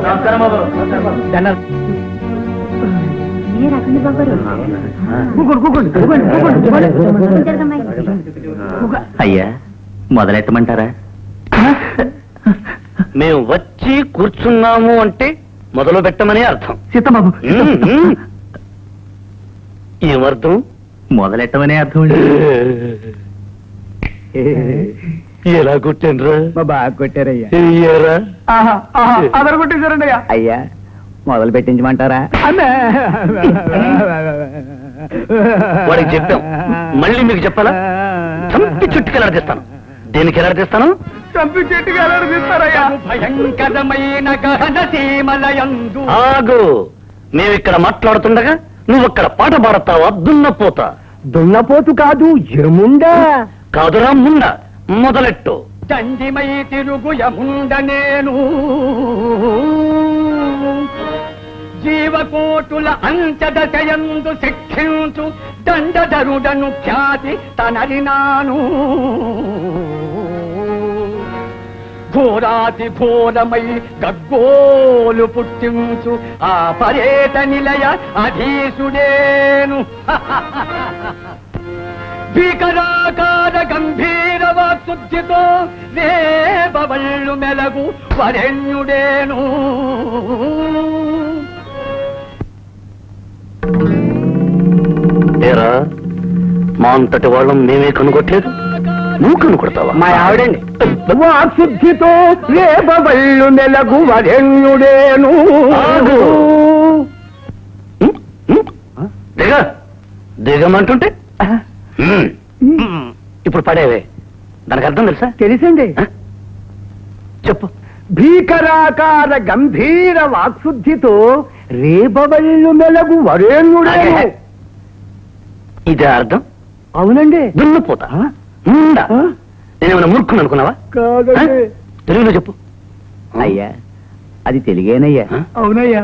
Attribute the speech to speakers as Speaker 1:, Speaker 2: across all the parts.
Speaker 1: అయ్యా మొదలెట్టమంటారా?
Speaker 2: మేము వచ్చి కూర్చున్నాము అంటే మొదలు పెట్టమని అర్థం.
Speaker 1: సీతబాబు
Speaker 2: ఏమర్థం?
Speaker 1: మొదలెట్టమనే అర్థం.
Speaker 2: ఎలా కొట్టానురా?
Speaker 1: బాగా కొట్టారయ్యా.
Speaker 2: అదరు కొట్టేశారండి
Speaker 1: అయ్యా మొదలు పెట్టించమంటారా?
Speaker 2: వాడికి చెప్పాం, మళ్ళీ మీకు చెప్పాలా? చంపి చుట్టుకి ఎలాడదీస్తాను. దేనికి ఎలాడదీస్తాను? చంపి చుట్టుకి ఎలాడదీస్తారయ్యా. భయంకరమైన గహన సీమలయందు. ఆగు, మేమిక్కడ మాట్లాడుతుండగా నువ్వు అక్కడ పాట పాడతావా? దున్నపోతా.
Speaker 1: దున్నపోతు కాదు, ఎముండా.
Speaker 2: కాదురా ముండా. మొదలెట్టు.
Speaker 3: దండిమై తిరుగు యముండ నేను, జీవకోటుల అంచదశయందు శిక్షించు దండధరుడను ఖ్యాతి తనరినాను. ఘోరాతి ఘోరమై గగ్గోలు పుట్టించు ఆ పర్యట నిలయ అధీసుడేను. భీకరాకార గంభీర వాక్శుద్ధితో రేపవళ్ళు మెలగు వరెణ్యుడేను.
Speaker 2: ఏరా, మా అంతటి వాళ్ళం మేమే కనుగొట్టలేదు, నువ్వు కనుకొడతావా?
Speaker 1: మా ఆవిడండి.
Speaker 3: వాక్శుద్ధితో రేపవళ్ళు మెలగు వరెణ్యుడేను.
Speaker 2: దిగ దిగమంటుంటే ఇప్పుడు పడేవే, దానికి అర్థం తెలుసా?
Speaker 3: తెలుసండి.
Speaker 2: చెప్పు.
Speaker 3: భీకరాకార గంభీర వాక్శుద్ధితో రేపవళ్ళు మెలగు వరేణ్యుడేను.
Speaker 2: ఇదే అర్థం?
Speaker 3: అవునండి.
Speaker 2: దున్నపోతా. నేనేమైనా మూర్ఖుని అనుకున్నావా?
Speaker 3: కాదండి.
Speaker 2: తెలుగులో చెప్పు.
Speaker 1: అయ్యా అది తెలుగేనయ్యా.
Speaker 3: అవునయ్యా.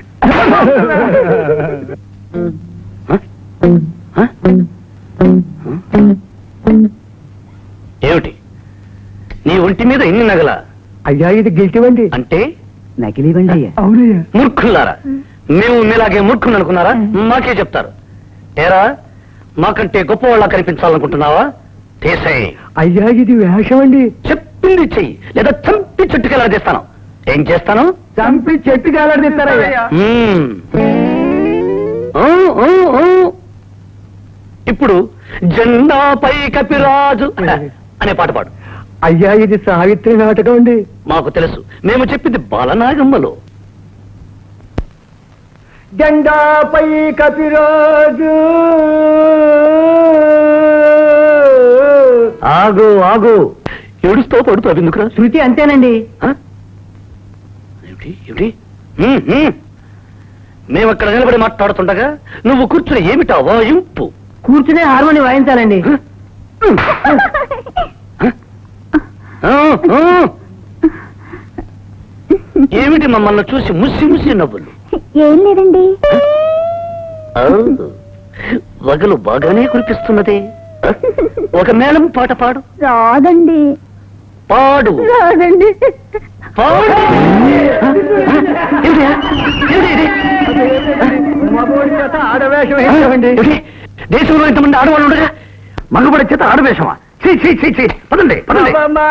Speaker 2: ఏమిటి నీ ఒంటి మీద ఎన్ని నగల?
Speaker 3: అయ్యా ఇది గిల్టివండి.
Speaker 2: అంటే
Speaker 1: నకిలీవండి అయ్యా.
Speaker 3: అవునయ్యా.
Speaker 2: మూర్ఖులారా, మేము మీలాగే మూర్ఖుని అనుకున్నారా? మాకే చెప్తారు. ఏరా, మాకంటే గొప్పవాళ్ళ కనిపించాలనుకుంటున్నావా? తీసేయ్.
Speaker 3: అయ్యా ఇది వేషం అండి.
Speaker 2: చెప్పింది చెయ్యి, లేదా చంపి చుట్టుకెలా చేస్తాను. ఏం చేస్తాను?
Speaker 3: చంపి చెట్టు కాలడిస్తారయ్యా.
Speaker 2: ఇప్పుడు జెండాపై కపిరాజు అనే పాట పాడు.
Speaker 3: అయ్యా ఇది సావిత్రి నాటకం అండి.
Speaker 2: మాకు తెలుసు, మేము చెప్పింది బాలనాగమ్మలో.
Speaker 3: జెండాపై కపిరాజు.
Speaker 2: ఆగు ఆగు, ఏడుస్తూ పడుతావు ఎందుకురా?
Speaker 3: శృతి అంతేనండి.
Speaker 2: ఏమిటి ఏమిటి? మేము అక్కడ నిలబడి మాట్లాడుతుండగా నువ్వు కూర్చుని ఏమిటా వాయింపు?
Speaker 3: కూర్చునే హార్మోని వాయించాలండి.
Speaker 2: ఏమిటి మమ్మల్ని చూసి ముసి ముసి నవ్వులు?
Speaker 4: ఏం లేదండి.
Speaker 2: వగలు బాగానే కురిపిస్తున్నదే. ఒక మేళం పాట పాడు.
Speaker 4: రాదండి.
Speaker 2: పాడు.
Speaker 4: రాదండి.
Speaker 2: పాడు.
Speaker 3: ఆడవేషం వేసామండి.
Speaker 2: దేశంలో ఇంతమంది ఆడవాళ్ళు ఉండగా మగబడి చేత ఆడవేషమా? పదండి పదండి.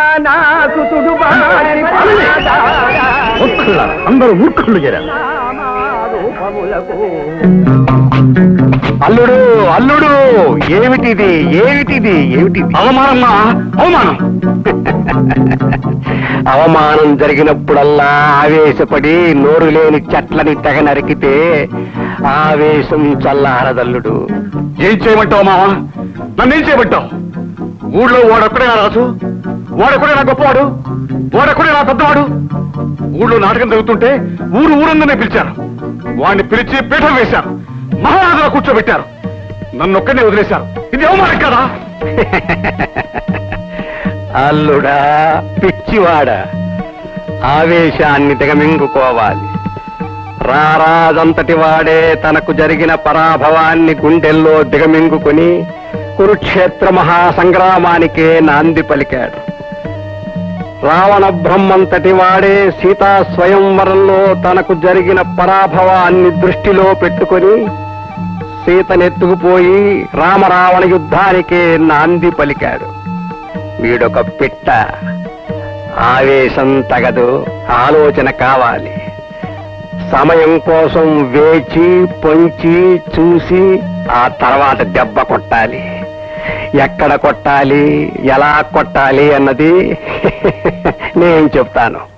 Speaker 2: మూర్ఖులారా, అందరూ మూర్ఖులు చేరారు.
Speaker 3: అల్లుడు అల్లుడు, ఏమిటిది ఏమిటిది ఏమిటిది?
Speaker 2: అవమానమ్మా, అవమానం.
Speaker 3: అవమానం జరిగినప్పుడల్లా ఆవేశపడి నోరు లేని చెట్లని తెగ నరికితే ఆవేశం చల్లారదల్లుడు.
Speaker 2: ఏం చేయమంటావు మావా? నన్నేం చేయమంటావు? ఊళ్ళో వాడొక్కడే నా రాజు, వాడొక్కడే నా గొప్పవాడు, వాడొక్కడే నా పెద్దవాడు. ఊళ్ళో నాటకం జరుగుతుంటే ఊరందరినీ పిలిచారు. వాడిని పిలిచి పీఠం వేశారు, మహారాజులా కూర్చోబెట్టారు. నన్నొక్కడే వదిలేశారు. ఇది అవమానం కదా?
Speaker 3: అల్లుడా పిచ్చివాడా, ఆవేశాన్ని దిగమింగుకోవాలి. రారాజంతటి వాడే తనకు జరిగిన పరాభవాన్ని గుండెల్లో దిగమింగుకుని కురుక్షేత్ర మహాసంగ్రామానికే నాంది పలికాడు. రావణ బ్రహ్మంతటి వాడే సీతా స్వయంవరంలో తనకు జరిగిన పరాభవాన్ని దృష్టిలో పెట్టుకొని సీతనెత్తుకుపోయి రామరావణ యుద్ధానికే నాంది పలికాడు. వీడొక పిట్ట. ఆవేశం తగదు, ఆలోచన కావాలి. సమయం కోసం వేచి పొంచి చూసి ఆ తర్వాత దెబ్బ కొట్టాలి. ఎక్కడ కొట్టాలి, ఎలా కొట్టాలి అన్నది నేను చెప్తాను.